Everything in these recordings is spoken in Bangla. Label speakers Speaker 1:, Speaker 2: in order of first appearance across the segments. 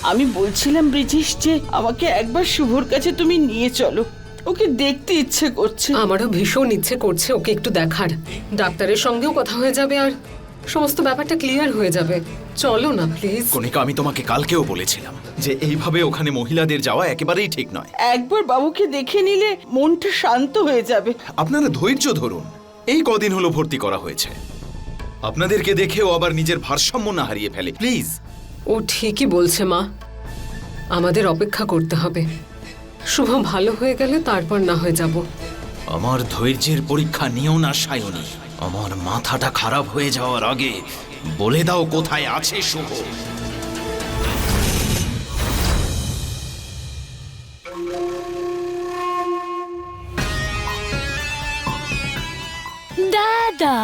Speaker 1: আমি বলছিলাম ব্রিজেশ যে আমাকে একবার শুভর কাছে তুমি নিয়ে চলো, ওকে দেখতে ইচ্ছে করছে।
Speaker 2: আমারও ভীষণ ইচ্ছে করছে ওকে একটু দেখার। ডাক্তারের সঙ্গেও কথা হয়ে যাবে আর সমস্ত ব্যাপারটা ক্লিয়ার হয়ে যাবে। চলো না প্লিজ।
Speaker 3: কণিকা, আমি তোমাকে কালকেও বলেছিলাম যে এইভাবে ওখানে মহিলাদের যাওয়া একেবারেই ঠিক নয়।
Speaker 1: একবার বাবুকে দেখে নিলে মনটা শান্ত হয়ে যাবে।
Speaker 3: আপনারা ধৈর্য ধরুন, এই কদিন হলো ভর্তি করা হয়েছে। আপনাদেরকে দেখেও আবার নিজের ভারসাম্য না হারিয়ে ফেলে, প্লিজ।
Speaker 2: ও ঠিকই বলছে মা, আমাদের অপেক্ষা করতে হবে। শুভ ভালো হয়ে গেলে তারপর না হয়ে যাব।
Speaker 3: আমার ধৈর্যের পরীক্ষা নিও না সায়নী। আমার মাথাটা খারাপ হয়ে যাওয়ার আগে বলে দাও কোথায় আছে শুভ।
Speaker 4: দাদা,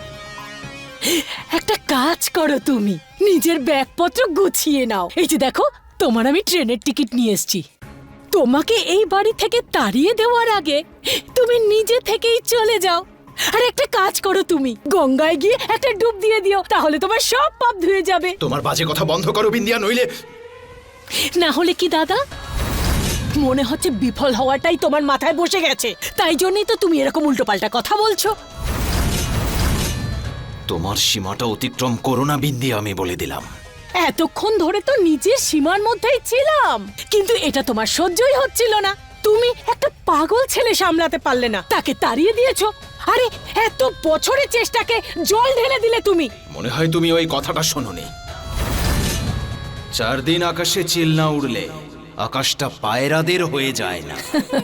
Speaker 4: একটা কাজ করো, তুমি নিজের ব্যাগপত্র গুছিয়ে নাও। এই যে দেখো, তোমার আমি ট্রেনের টিকিট নিয়ে এসেছি। তোমাকে এই বাড়ি থেকে তাড়িয়ে দেওয়ার আগে তুমি নিজে থেকেই চলে যাও। আর একটা কাজ করো, তুমি গঙ্গায় গিয়ে একটা ডুব দিয়ে দিও, তাহলে তোমার সব পাপ ধুয়ে যাবে।
Speaker 3: তোমার বাজে কথা বন্ধ করো বিন্দিয়া, নইলে।
Speaker 4: না হলে কি দাদা, মনে হচ্ছে বিফল হওয়াটাই তোমার মাথায় বসে গেছে, তাই জন্যই তো তুমি এরকম উল্টোপাল্টা কথা বলছো।
Speaker 3: তোমার সীমাটা অতিক্রম করো না বিন্দিয়া, আমি বলে দিলাম।
Speaker 4: এতক্ষণ ধরে তো নিজের সীমার মধ্যেই ছিলাম, কিন্তু এটা তোমার সহ্যই হচ্ছিল না। তুমি একটা পাগল ছেলে সামলাতে পারলে না, তাকে তাড়িয়ে দিয়েছো। আরে এত বছরের চেষ্টাকে জল ঢেলে দিলে তুমি।
Speaker 3: মনে হয় তুমি ওই কথাটা শোনোনি। 4 দিন আকাশে চিল না উড়লে আকাশটা পায়রাদের হয়ে যায় না।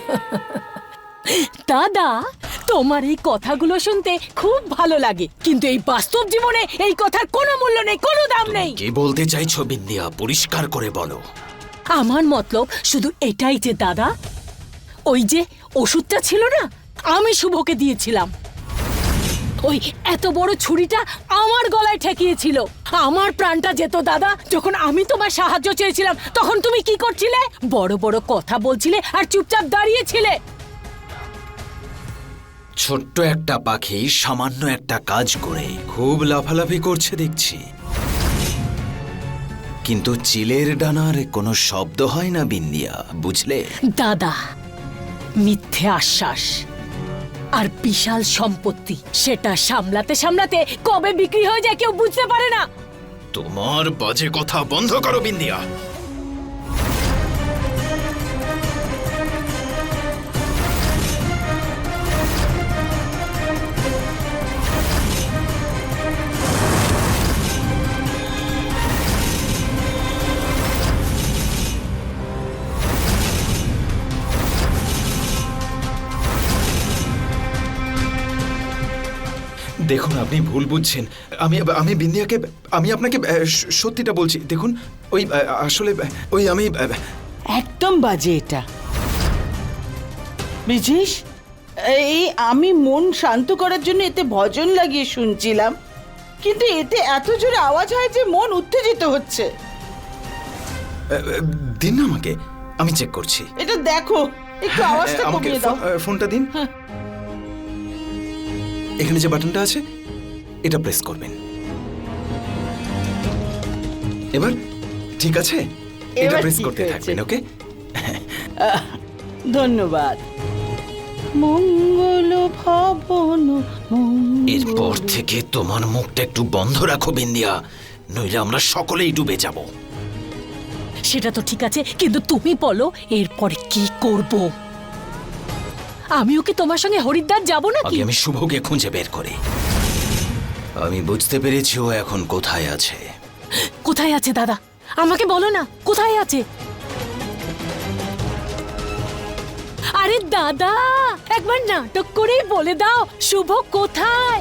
Speaker 4: দাদা, তোমার এই কথাগুলো শুনতে খুব ভালো লাগে, কিন্তু এই বাস্তব জীবনে এই কথার কোনো মূল্য নেই, কোনো দাম নেই।
Speaker 3: কি বলতে চাইছো বিন্দিয়া, পরিষ্কার করে বলো।
Speaker 4: আমার মতলব শুধু এটাই যে দাদা, ওই যে ওষুধটা ছিল না, আমি শুভকে দিয়েছিলাম। ওই এত বড় ছুরিটা আমার গলায় ঠেকিয়েছিল, আমার প্রাণটা যেত দাদা। যখন আমি তোমার সাহায্য চেয়েছিলাম তখন তুমি কি করছিলে? বড় বড় কথা বলছিলে আর চুপচাপ দাঁড়িয়েছিলে।
Speaker 3: ছোট্ট একটা পাখি সামান্য একটা কাজ করে খুব লাফালাফি করছে দেখছি, কিন্তু চিলের ডানার কোনো শব্দ হয় না বিন্দিয়া, বুঝলে?
Speaker 4: দাদা, মিথ্যে আশ্বাস আর বিশাল সম্পত্তি, সেটা সামলাতে সামলাতে কবে বিক্রি হয়ে যায় কেউ বুঝতে পারে না।
Speaker 3: তোমার বাজে কথা বন্ধ করো বিন্দিয়া। দেখুন, আপনি ভুল বুঝছেন। আমি বিন্দিয়াকে, আমি আপনাকে সত্যিটা বলছি। দেখুন, ওই আসলে ওই আমি
Speaker 1: একদম বাজে এটা ব্রিজেশ। এই আমি মন শান্ত করার জন্য এতে ভজন লাগিয়ে শুনছিলাম, কিন্তু এতে এত জোরে আওয়াজ হয় যে মন উত্তেজিত হচ্ছে।
Speaker 3: দিন না আমাকে, আমি চেক করছি।
Speaker 1: এটা দেখো, একটু আওয়াজটা
Speaker 3: আমাকে
Speaker 1: কমিয়ে দাও।
Speaker 3: ফোনটা দিন। এখানে যে বাটনটা আছে এটা প্রেস করবেন। এবার ঠিক আছে, এটা
Speaker 1: এবার
Speaker 3: প্রেস
Speaker 1: ঠিক
Speaker 3: করতে
Speaker 1: হয়েছে।
Speaker 3: থাকবেন, ওকে?
Speaker 1: ধন্যবাদ। মঙ্গল ভবন
Speaker 3: এরপর থেকে তোমার মুখটা একটু বন্ধ রাখো বিন্দিয়া, নইলে আমরা সকলেই ডুবে যাব।
Speaker 4: সেটা তো ঠিক আছে, কিন্তু তুমি বলো এরপরে কি করব? আমিও কি তোমার সঙ্গে হরিদ্বার যাব নাকি?
Speaker 3: আগে আমি শুভকে খুঁজে বের করি। আমি বুঝতে পেরেছি ও এখন কোথায় আছে।
Speaker 4: কোথায় আছে দাদা? আমাকে বলো না, কোথায় আছে? আরে দাদা, একবার নাটক করেই বলে দাও শুভ কোথায়।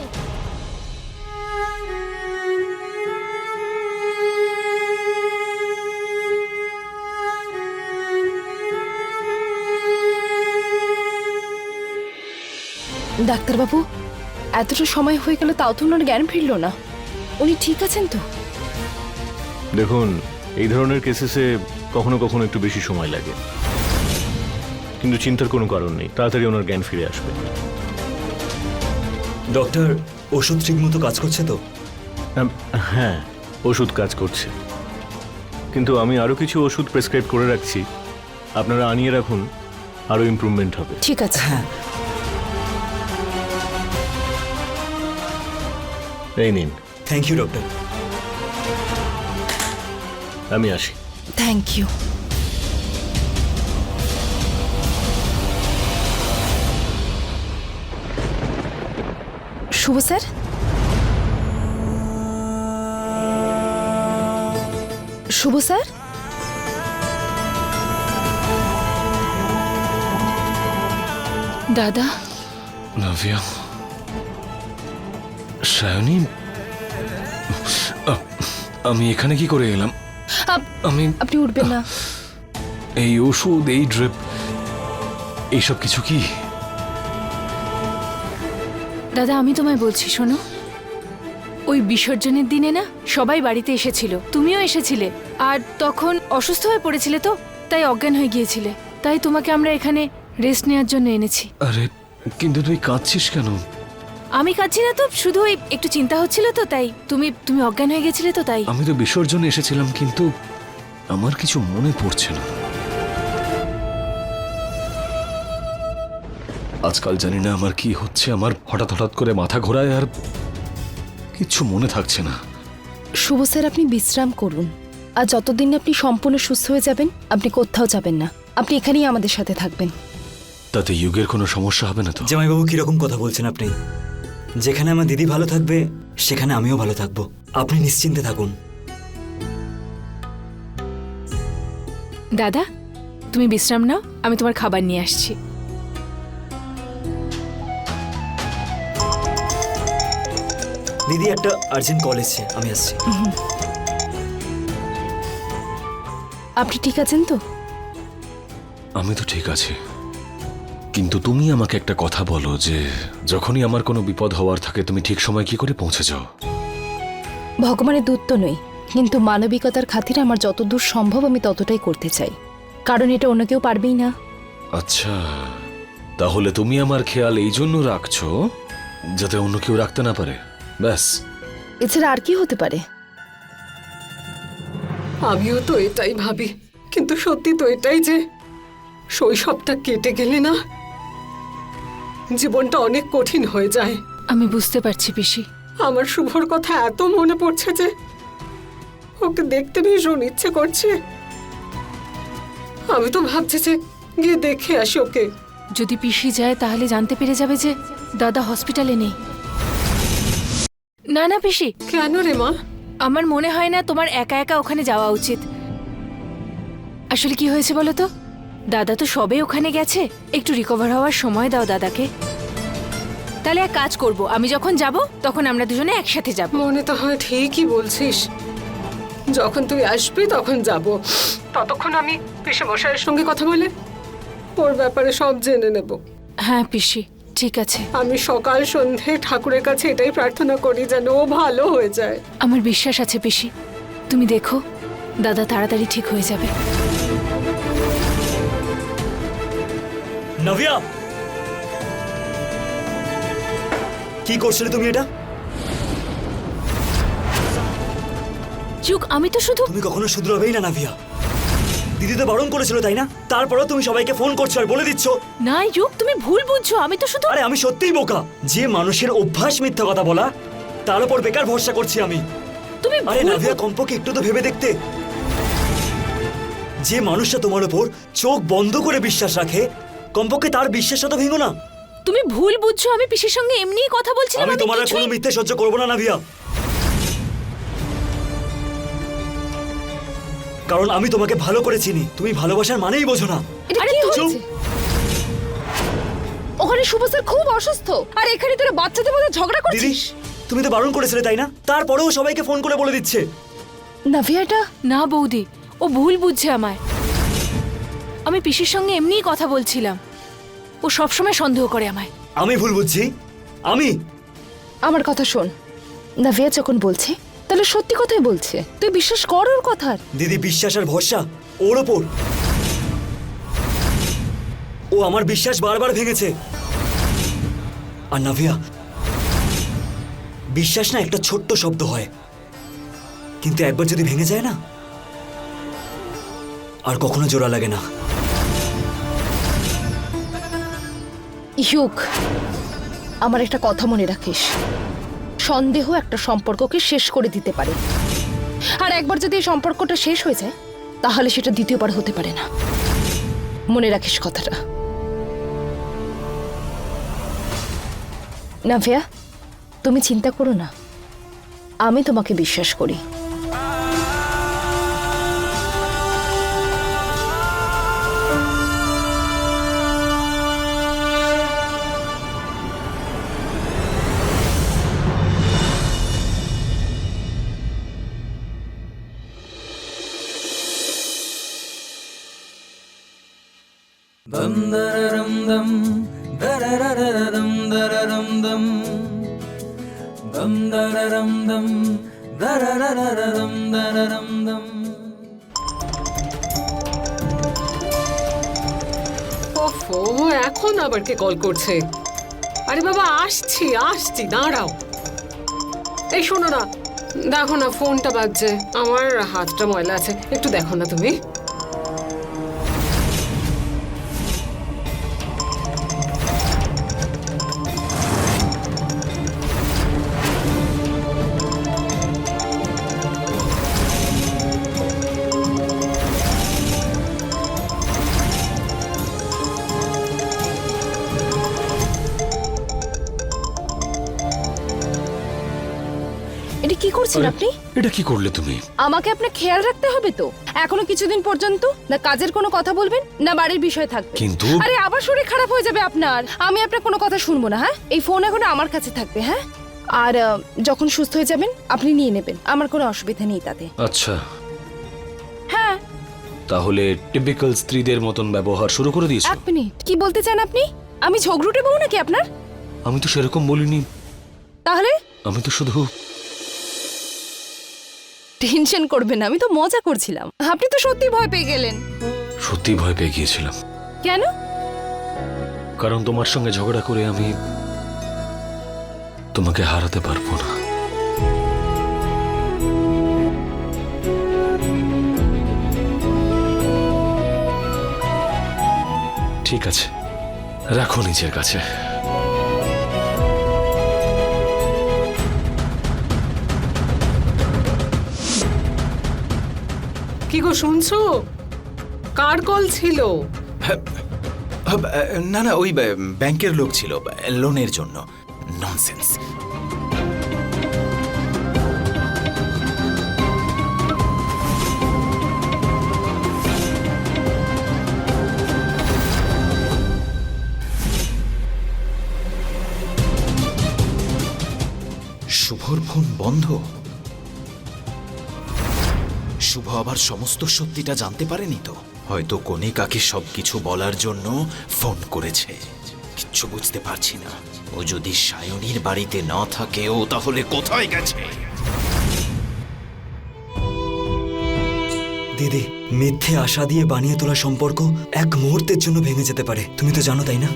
Speaker 5: ডাক্তারবাবু, এতটা সময় হয়ে গেল তাও তো ওনার জ্ঞান ফিরল না। উনি ঠিক আছেন তো?
Speaker 6: দেখুন, এই ধরনের কেসেসে কখনো কখনো একটু বেশি সময় লাগে, কিন্তু চিন্তার কোনো কারণ নেই, তাড়াতাড়ি ওনার জ্ঞান ফিরে আসবে।
Speaker 7: ডক্টর, ওষুধ ঠিকমতো কাজ করছে তো?
Speaker 6: হ্যাঁ, ওষুধ কাজ করছে, কিন্তু আমি আরও কিছু ওষুধ প্রেসক্রাইব করে রাখছি, আপনারা আনিয়ে রাখুন, আরও ইমপ্রুভমেন্ট হবে।
Speaker 5: ঠিক আছে।
Speaker 6: এই নিন,
Speaker 7: থ্যাংক ইউ ডক্টর।
Speaker 6: আমি আসি।
Speaker 5: Thank you. Shubho sir, Shubho sir, দাদা।
Speaker 8: নাভিয়া, সায়নী, আমি এখানে কি করে এলাম? আমি
Speaker 5: আপনি উঠবেন না।
Speaker 8: এই ওষুধ, এই ড্রিপ, এইসব কিছু কি?
Speaker 4: দাদা আমি তোমায় বলছি শোনো, ওই বিসর্জনের দিনে না সবাই বাড়িতে এসেছিল, তুমিও এসেছিলে, আর তখন অসুস্থ হয়ে পড়েছিলে তো, তাই অজ্ঞান হয়ে গিয়েছিলে, তাই তোমাকে আমরা এখানে রেস্ট নেওয়ার জন্য এনেছি।
Speaker 8: আরে কিন্তু তুই কাঁদছিস কেন?
Speaker 4: আমি কাঁদছি না তো, শুধু ওই একটু চিন্তা হচ্ছিল তো, তাই তুমি অজ্ঞান হয়ে গেছিলে তো, তাই।
Speaker 8: আমি তো বিসর্জনে এসেছিলাম, কিন্তু আমার কিছু মনে পড়ছে না। আজকাল জানি না আমার কি হচ্ছে, আমার হঠাৎ হঠাৎ করে মাথা ঘোরায় আর কিছু মনে থাকছে না।
Speaker 5: শুভ স্যার, আপনি বিশ্রাম করুন, আর যতদিন আপনি সম্পূর্ণ সুস্থ হয়ে যাবেন আপনি কোথাও যাবেন না, আপনি এখানেই আমাদের সাথে থাকবেন।
Speaker 8: তাতে যুগের কোনো সমস্যা হবে না তো?
Speaker 7: জামাইবাবু কিরকম কথা বলছেন আপনি? যেখানে আমার দিদি ভালো থাকবে সেখানে আমিও ভালো থাকবো, আপনি নিশ্চিন্তে থাকুন।
Speaker 4: দাদা তুমি বিশ্রাম নাও, আমি তোমার খাবার নিয়ে আসছি।
Speaker 7: দিদি একটা আর্জেন্ট কল এসছে, আমি আসছি।
Speaker 5: আপনি ঠিক আছেন তো?
Speaker 8: আমি তো ঠিক আছি, কিন্তু তুমি আমাকে একটা কথা বলো যে যখনই আমার কোনো বিপদ হওয়ার থাকে তুমি ঠিক সময় কি করে পৌঁছে যাও?
Speaker 5: ভগবানের দূত তো নই, কিন্তু মানবিকতার খাতিরে আমার যত দূর সম্ভব আমি ততটাই করতে চাই, কারণ এটা অন্য কেউ পারবেই না।
Speaker 8: আচ্ছা, তাহলে তুমি আমার খেয়াল এই জন্য রাখছো যাতে অন্য কেউ রাখতে না পারে, ব্যাস।
Speaker 5: এছাড়া আর কি হতে পারে?
Speaker 2: আমিও তো এটাই ভাবি, কিন্তু সত্যি তো এটাই যে শৈশবটা কেটে গেলে না জীবনটা অনেক কঠিন হয়ে যায়।
Speaker 4: আমি বুঝতে পারছি পিসি।
Speaker 2: আমার শুভর কথা এত মনে পড়ছে যে ওকে দেখতে ভীষণ ইচ্ছে করছে। আমি তো ভাবছি যে গিয়ে দেখে আসি ওকে।
Speaker 4: যদি পিসি যায় তাহলে জানতে পেরে যাবে যে দাদা হসপিটালে নেই। না না পিসি,
Speaker 2: কেন রে মা?
Speaker 4: আমার মনে হয় না তোমার একা একা ওখানে যাওয়া উচিত। আসলে কি হয়েছে বলো তো, দাদা তো সবে ওখানে গেছে, একটু রিকভার হওয়ার সময় দাও দাদাকে। তাহলে এক কাজ করব, আমি যখন যাব তখন আমরা দুজনে একসাথে যাব।
Speaker 2: মনে তো হয় ঠিকই বলছিস, যখন তুই আসবি তখন যাব। ততক্ষণ আমি পিসে মশাইয়ের সঙ্গে কথা বলে ওর ব্যাপারে সব জেনে নেব।
Speaker 4: হ্যাঁ পিসি, ঠিক আছে।
Speaker 2: আমি সকাল সন্ধে ঠাকুরের কাছে এটাই প্রার্থনা করি যেন ও ভালো হয়ে যায়।
Speaker 4: আমার বিশ্বাস আছে পিসি, তুমি দেখো দাদা তাড়াতাড়ি ঠিক হয়ে যাবে।
Speaker 7: নাভিয়া, কি করছিলে তুমি এটা?
Speaker 4: যুগ, আমি তো শুধু
Speaker 7: তুমি কখনো শুধরাবেই না নাভিয়া। দিদি তো বারণ করেছিল তাই না? তারপরেও তুমি সবাইকে ফোন করছো আর বলে দিচ্ছ।
Speaker 4: না যুগ, তুমি ভুল বুঝছো, আমি তো শুধু
Speaker 7: আরে আমি সত্যিই বোকা, যে মানুষের অভ্যাস মিথ্যা কথা বলা, তার উপর বেকার ভরসা করছি আমি।
Speaker 4: তুমি
Speaker 7: আরে
Speaker 4: ভুল
Speaker 7: নাভিয়া, কমপক্ষে একটু তো ভেবে দেখতে। যে মানুষটা তোমার উপর চোখ বন্ধ করে বিশ্বাস রাখে, কমপক্ষে তার বিশ্বাসটা তো ভেঙো না।
Speaker 4: তুমি ভুল বুঝছো, আমি পিসির সঙ্গে এমনিই কথা বলছিলাম।
Speaker 7: আমি তোমার আর কোনো মিথ্যে সহ্য করবো না নাভিয়া, কারণ আমি তোমাকে ভালো করে চিনি। তুমি ভালোবাসার মানেই বোঝো না।
Speaker 5: এটা
Speaker 4: আরে
Speaker 5: কি
Speaker 4: তুই-
Speaker 5: হচ্ছে? ওখানে শুভ স্যার খুব অসুস্থ, আর এখানে তোরা বাচ্চাদের মধ্যে ঝগড়া
Speaker 7: দিদি,
Speaker 5: করছিস।
Speaker 7: তুমি তো বারণ করেছিলে তাই না? তারপরেও সবাইকে ফোন করে বলে দিচ্ছে।
Speaker 5: নাভিয়াটা
Speaker 4: না বৌদি, ও ভুল বুঝছে আমায়। আমি পিসির সঙ্গে এমনিই কথা বলছিলাম, ও সবসময় সন্দেহ করে আমায়।
Speaker 7: আমি ভুল বুঝছি? আমি?
Speaker 5: আমার কথা শোন, নাভিয়া যখন বলছে তাহলে সত্যি কথাই বলছে, তুই বিশ্বাস কর ওর কথা।
Speaker 7: দিদি, বিশ্বাস আর ভরসা ওর ওপর। ও আমার বিশ্বাস বারবার ভেঙেছে। আর নাভিয়া, বিশ্বাস না একটা ছোট্ট শব্দ হয়, কিন্তু একবার যদি ভেঙে যায় না, আর কখনো জোড়া লাগে না।
Speaker 5: ইউক, আমার একটা কথা মনে রাখিস, সন্দেহ একটা সম্পর্ককে শেষ করে দিতে পারে, আর একবার যদি এই সম্পর্কটা শেষ হয়ে যায় তাহলে সেটা দ্বিতীয়বার হতে পারে না। মনে রাখিস কথাটা। নাভিয়া, তুমি চিন্তা করো না, আমি তোমাকে বিশ্বাস করি।
Speaker 2: ওফো, এখন আবার কে কল করছে? আরে বাবা, আসছি আসছি, দাঁড়াও। এই শোনো না, দেখো না ফোনটা বাজছে, আমার হাতটা ময়লা আছে, একটু দেখো না তুমি।
Speaker 5: এটা কি করছেন আপনি?
Speaker 8: এটা কি করলে তুমি?
Speaker 5: আমাকে আপনার খেয়াল রাখতে হবে তো। এখনো কিছুদিন পর্যন্ত না কাজের কোনো কথা বলবেন না বাড়ির বিষয় থাকবে।
Speaker 8: কিন্তু
Speaker 5: আরে আবার শরীর খারাপ হয়ে যাবে আপনার। আমি আপনার কোনো কথা শুনবো না, হ্যাঁ? এই ফোন এখন আমার কাছে থাকবে, হ্যাঁ? আর যখন সুস্থ হয়ে যাবেন আপনি নিয়ে নেবেন, আমার কোনো অসুবিধা নেই তাতে।
Speaker 8: আচ্ছা,
Speaker 5: হ্যাঁ।
Speaker 8: তাহলে টিপিক্যাল স্ত্রীদের মতন ব্যবহার শুরু করে দিয়েছো?
Speaker 5: এক মিনিট, কি বলতে চান আপনি? আমি ঝগড়ুটে বউ নাকি আপনার?
Speaker 8: আমি তো সেরকম বলিনি,
Speaker 5: তাহলে
Speaker 8: আমি তো শুধু
Speaker 5: টেনশন করবেন না, আমি তো মজা করছিলাম। আপনি তো সত্যি ভয় পেয়ে গেলেন।
Speaker 8: সত্যি ভয় পেয়ে গিয়েছিলাম,
Speaker 5: কেন?
Speaker 8: কারণ তোমার সঙ্গে ঝগড়া করে আমি তোমাকে হারাতে পারবো না। ঠিক আছে, রাখো নিজের কাছে।
Speaker 2: কি গো, শুনছো? কার কল ছিল?
Speaker 3: না না, ওই ব্যাংকের লোক ছিল, লোনের জন্য। ননসেন্স। শুভর ফোন বন্ধ। শুভ আবার সমস্ত সত্যিটা জানতে পারেনি তো? হয়তো কণিকাকে সবকিছু বলার জন্য ফোন করেছে। কিচ্ছু বুঝতে পারছি না। ও যদি সায়নীর বাড়িতে না থাকে, ও তাহলে কোথায় গেছে?
Speaker 7: দিদি, মিথ্যে আশা দিয়ে বানিয়ে তোলা সম্পর্ক এক মুহূর্তের জন্য ভেঙে যেতে পারে, তুমি তো জানো, তাই না?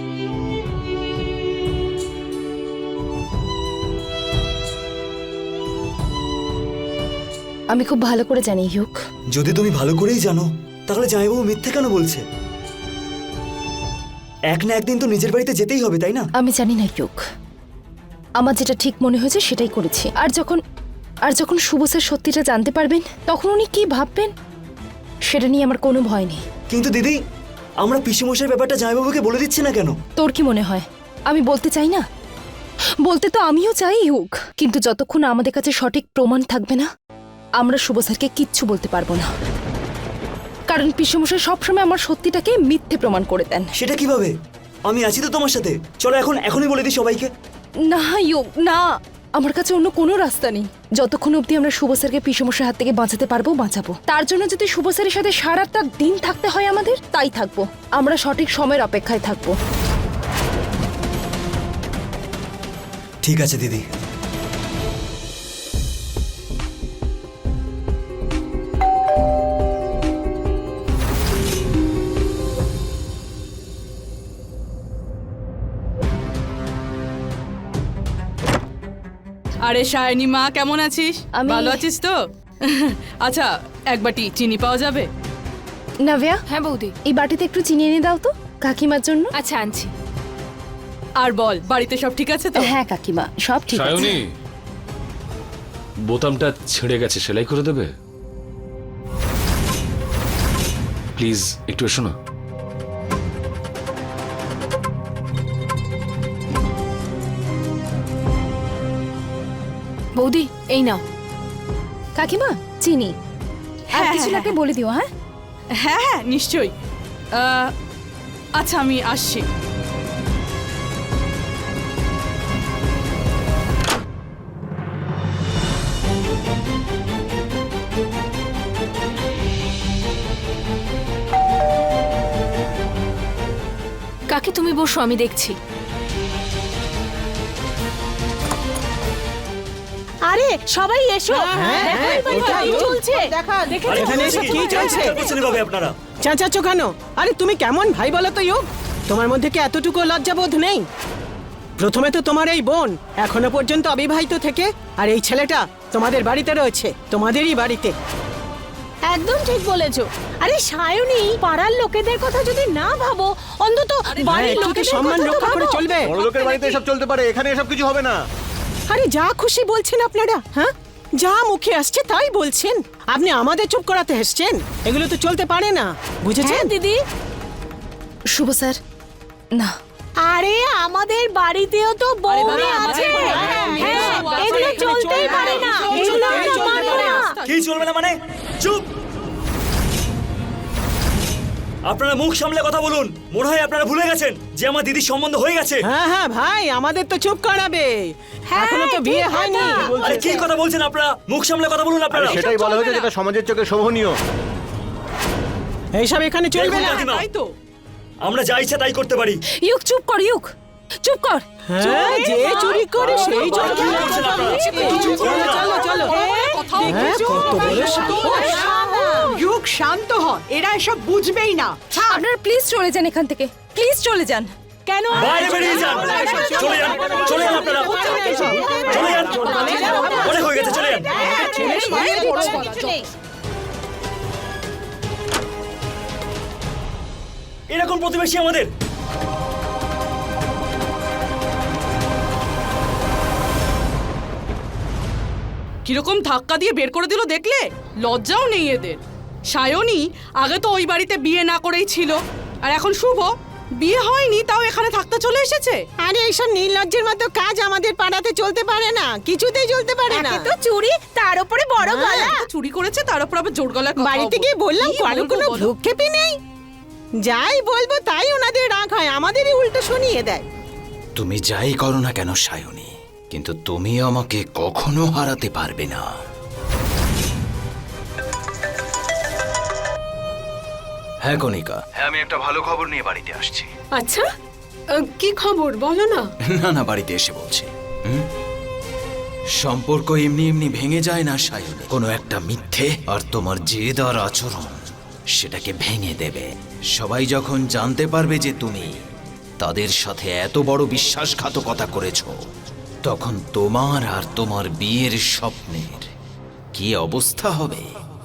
Speaker 5: আমি খুব ভালো করে জানি ইউক।
Speaker 7: যদি তুমি ভালো করেই জানো, তাহলে জামাইবাবু মিথ্যে কেন বলছে? এক না একদিন তো নিজের বাড়িতে যেতেই হবে, তাই না?
Speaker 5: আমি জানি না ইউক, আমার যেটা ঠিক মনে হয়েছে সেটাই করেছি। আর যখন শুভ স্যার সত্যিটা জানতে পারবেন তখন উনি কি ভাববেন সেটা নিয়ে আমার কোনো ভয় নেই।
Speaker 7: কিন্তু দিদি, আমরা পিসেমশাইয়ের ব্যাপারটা জামাইবাবুকে বলে দিচ্ছি না কেন?
Speaker 5: তোর কি মনে হয় আমি বলতে চাই না? বলতে তো আমিও চাই ইউক, কিন্তু যতক্ষণ আমাদের কাছে সঠিক প্রমাণ থাকবে না আমরা শুভ স্যারকে কিচ্ছু বলতে পারবো না। কারণ পিসেমশাই সবসময় আমার সত্যিটাকে মিথ্যে প্রমাণ করে দেন।
Speaker 7: সেটা কিভাবে? আমি আছি তো তোমার সাথে। চলো এখনই বলে দিই সবাইকে।
Speaker 5: না ইউক, না, আমার কাছে অন্য কোনো রাস্তা নেই। যতক্ষণ অবধি আমরা শুভ স্যারকে পিসমস্যার হাত থেকে বাঁচাতে পারবো বাঁচাবো। তার জন্য যদি শুভ স্যারের সাথে সারাটা দিন থাকতে হয় আমাদের, তাই থাকবো। আমরা সঠিক সময়ের অপেক্ষায় থাকবো।
Speaker 7: ঠিক আছে দিদি।
Speaker 9: আরে সায়নী মা, কেমন আছিস?
Speaker 5: আমি-
Speaker 9: ভালো আছিস তো? আচ্ছা, এক বাটি চিনি পাওয়া যাবে?
Speaker 5: নাভিয়া,
Speaker 9: হ্যাঁ বৌদি।
Speaker 5: এই বাটিতে একটু চিনি এনে দাও তো কাকিমার জন্য।
Speaker 9: আচ্ছা আনছি। আর বল, বাড়িতে সব ঠিক আছে তো?
Speaker 5: হ্যাঁ কাকিমা, সব ঠিক আছে।
Speaker 8: সায়নী, বোতামটা ছিঁড়ে গেছে, সেলাই করে দেবে প্লিজ? একটু এসো না।
Speaker 9: বৌদি এই নাও।
Speaker 5: কাকিমা চিনি, আর
Speaker 9: হ্যাঁ,
Speaker 5: কিছু
Speaker 9: হ্যাঁ,
Speaker 5: লাগলে বলে দিও। হ্যাঁ
Speaker 9: হ্যাঁ হ্যাঁ নিশ্চয়ই। আচ্ছা আমি আসছি। কাকি তুমি বসো, আমি দেখছি।
Speaker 4: আরে সবাই এসো, দেখো এই বাড়িতে কি চলছে।
Speaker 10: এখানে এসে কি চলছে?
Speaker 7: ভাবে আপনারা
Speaker 10: চেঁচাচ্ছ কেন? আরে তুমি কেমন ভাই বলো তো ইয়োগ? তোমার মধ্যে কি এতটুকু লজ্জাবোধ নেই? প্রথমে তো তোমার এই বোন এখনো পর্যন্ত অবিবাহিত থেকে, আর এই ছেলেটা তোমাদের বাড়িতে রয়েছে, তোমাদেরই বাড়িতে।
Speaker 4: একদম ঠিক বলেছো। আরে সায়নী, পাড়ার লোকেদের কথা যদি না ভাবো, অন্তত বাড়ির
Speaker 10: একটু কি
Speaker 4: লোকেদের
Speaker 10: সম্মান
Speaker 4: কথা তো
Speaker 10: রক্ষা করে
Speaker 4: ভাবো।
Speaker 10: চলবে?
Speaker 6: বড়লোকের বাড়িতে এসব চলতে পারে, এখানে এসব কিছু হবে না।
Speaker 10: আরে যা খুশি বলছেন আপনারা, হ্যাঁ যা মুখে আসছে তাই বলছেন। আপনি আমাদের চুপ করাতে এসছেন? এগুলো তো চলতে পারে না, বুঝেছেন?
Speaker 4: হ্যাঁ দিদি।
Speaker 5: শুভ স্যার, না
Speaker 4: আরে আমাদের বাড়িতেও তো বউ আছে। হ্যাঁ, এগুলো চলতেই পারে না, এগুলো আমরা মানি না।
Speaker 7: কি চলবে না মানে? চুপ! আপনারা মুখ সামলে কথা বলুন। মনে হয় আপনারা ভুলে গেছেন যে আমার দিদির সম্বন্ধ হয়ে গেছে।
Speaker 10: হ্যাঁ হ্যাঁ ভাই, আমাদের তো চুপ করাবে, এখনো তো বিয়ে হয়নি।
Speaker 7: আরে কি কথা বলছেন আপনারা? মুখ সামলে কথা বলুন আপনারা।
Speaker 6: সেটাই বলা হয়েছে যেটা সমাজের চোখে শোভনীয়।
Speaker 10: এইসব এখানে চলবে
Speaker 7: দেখুন
Speaker 10: না।
Speaker 7: কাকিমা,
Speaker 9: তাই তো।
Speaker 7: আমরা যা ইচ্ছা তাই করতে পারি।
Speaker 5: ইউক চুপ কর, ইউক চুপ কর।
Speaker 10: হ্যাঁ, যে চুরি করে সেই চোর।
Speaker 7: কি করছেন আপনারা?
Speaker 10: চলো চলো চলো। হ্যাঁ, কত বড় সাহস।
Speaker 1: যুগ শান্ত হ, এরা এসব বুঝবেই না।
Speaker 5: আপনারা প্লিজ চলে যান এখান থেকে, প্লিজ চলে যান।
Speaker 4: কেন?
Speaker 7: বাইরে বেরিয়ে যান। চলে যান, চলে যান আপনারা। চলে যান, অনেক হয়ে গেছে, চলে যান। এরকম প্রতিবেশী আমাদের।
Speaker 9: কিরকম ধাক্কা দিয়ে বের করে দিল দেখলে? লজ্জাও নেই এদের। সায়নী আগে তো ওই বাড়িতে বিয়ে না করেই ছিল, আর এখন শুভ বিয়ে হয়নি তাও এখানে থাকতে চলে এসেছে।
Speaker 10: আরে এইসব নির্লজ্জের মতো কাজ আমাদের পাড়াতে চলতে পারে না, কিছুতেই চলতে পারে না।
Speaker 4: তো চুরি, তার উপরে বড় গলা।
Speaker 9: চুরি করেছে, তার উপর আবার জোর গলায় কথা
Speaker 10: বাড়িতে গিয়ে বললাম
Speaker 9: কি
Speaker 10: কারো
Speaker 9: বলবো
Speaker 10: কোনো
Speaker 9: বলো?
Speaker 10: ভ্রুক্ষেপই নেই। যাই বলবো তাই ওনাদের রাগ হয়, আমাদেরই উল্টো শুনিয়ে দেয়।
Speaker 3: তুমি যাই করো না কেন সায়নী, কিন্তু তুমি আমাকে কখনো হারাতে পারবে না। হ্যাঁ কণিকা, হ্যাঁ আমি একটা ভালো খবর নিয়ে বাড়িতে আসছি।
Speaker 2: আচ্ছা কি খবর বলো না।
Speaker 3: না না, বাড়িতে এসে বলছি। সম্পর্ক এমনি এমনি ভেঙে যায় না সায়নী, কোনো একটা মিথ্যে আর তোমার জেদ আর আচরণ সেটাকে ভেঙে দেবে। সবাই যখন জানতে পারবে যে তুমি তাদের সাথে এত বড় বিশ্বাসঘাতকতা করেছো, তখন তোমার আর তোমার বিয়ের স্বপ্নের কি অবস্থা হবে।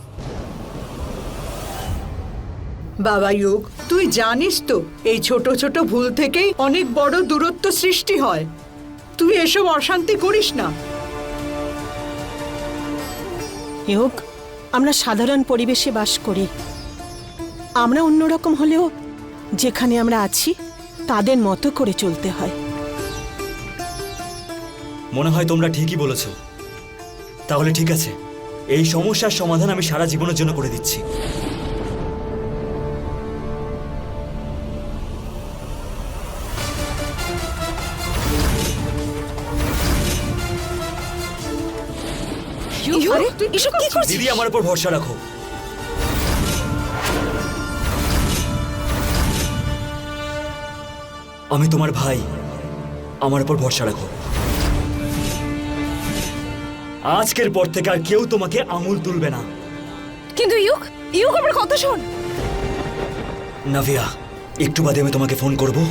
Speaker 1: বাবা যুগ, তুই জানিস তো এই ছোট ছোট ভুল থেকেই অনেক বড় দূরত্ব সৃষ্টি হয়। তুই এসব অশান্তি করিস না।
Speaker 10: হোক, আমরা সাধারণ পরিবেশে বাস করি। আমরা অন্যরকম হলেও যেখানে আমরা আছি তাদের মতো করে চলতে হয়।
Speaker 7: মনে হয় তোমরা ঠিকই বলেছ। তাহলে ঠিক আছে, এই সমস্যার সমাধান আমি সারা জীবনের জন্য করে দিচ্ছি।
Speaker 5: আরে, এসব কি করছিস?
Speaker 7: দিদি আমার উপর ভরসা রাখো। আমি তোমার ভাই, আমার উপর ভরসা রাখো। আজকের পর থেকে আর কেউ তোমাকে আঙুল তুলবে না।
Speaker 5: কিন্তু ইউক, ইউক আমার কথা শোন।
Speaker 7: নাভিয়া, একটু বাদে আমি তোমাকে ফোন করব,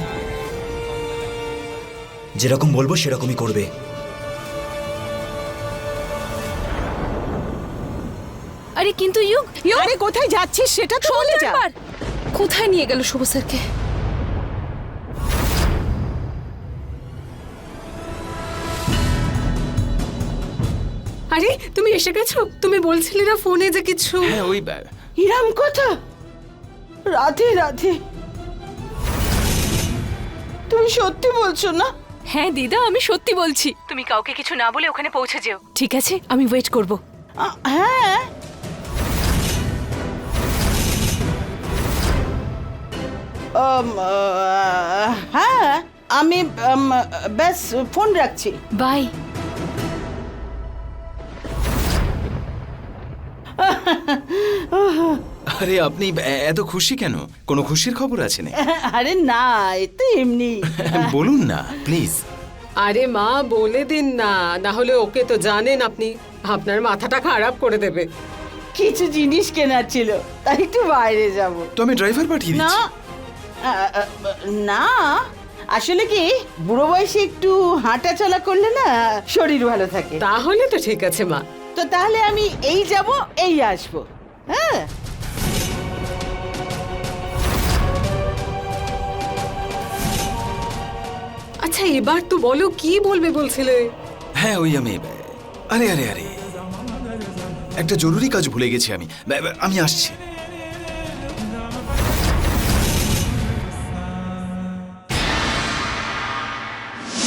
Speaker 7: যেরকম বলবো সেরকমই করবে।
Speaker 5: আরে আরে কিন্তু ইউক
Speaker 10: আরে কোথায় যাচ্ছিস সেটা তো বলে যা।
Speaker 5: কোথায় নিয়ে গেল শুভ স্যারকে?
Speaker 2: আরে তুমি এসে গেছো? তুমি বলছিলে না ফোনে যে কিছু।
Speaker 3: হ্যাঁ ওই
Speaker 10: ইরাম কথা, রাধে রাধে। তুমি সত্যি বলছো না?
Speaker 4: হ্যাঁ দিদা, আমি সত্যি বলছি। তুমি কাউকে কিছু না বলে ওখানে পৌঁছে যেও, ঠিক আছে? আমি ওয়েট করব।
Speaker 10: হ্যাঁ হ্যাঁ, আমি ব্যাস ফোন রাখছি।
Speaker 4: বাই।
Speaker 3: আরে আপনি এত খুশি কেন? কোনো খুশির খবর আছে না?
Speaker 10: আরে না, এ তো এমনি।
Speaker 3: বলুন না প্লিজ।
Speaker 2: আরে মা বলে দিন না, না হলে ওকে তো জানেন আপনি, আপনার মাথাটা খারাপ করে দেবে।
Speaker 10: কিছু জিনিস কেনার ছিল, তাই একটু বাইরে যাব।
Speaker 3: তো আমি ড্রাইভার পাঠিয়ে
Speaker 10: না
Speaker 3: দিচ্ছি।
Speaker 10: না, আসলে কি বুড়ো বয়সে একটু হাঁটা চলা করলে না শরীর ভালো থাকে।
Speaker 2: তাহলে তো ঠিক আছে মা।
Speaker 10: তো তাহলে আমি এই যাব এই আসবো। হ্যাঁ
Speaker 2: আচ্ছা এবার তো বলো কি বলবে বলছিলে?
Speaker 3: হ্যাঁ ওই আমি আরে আরে আরে একটা জরুরি কাজ ভুলে গেছি আমি। আমি আসছি।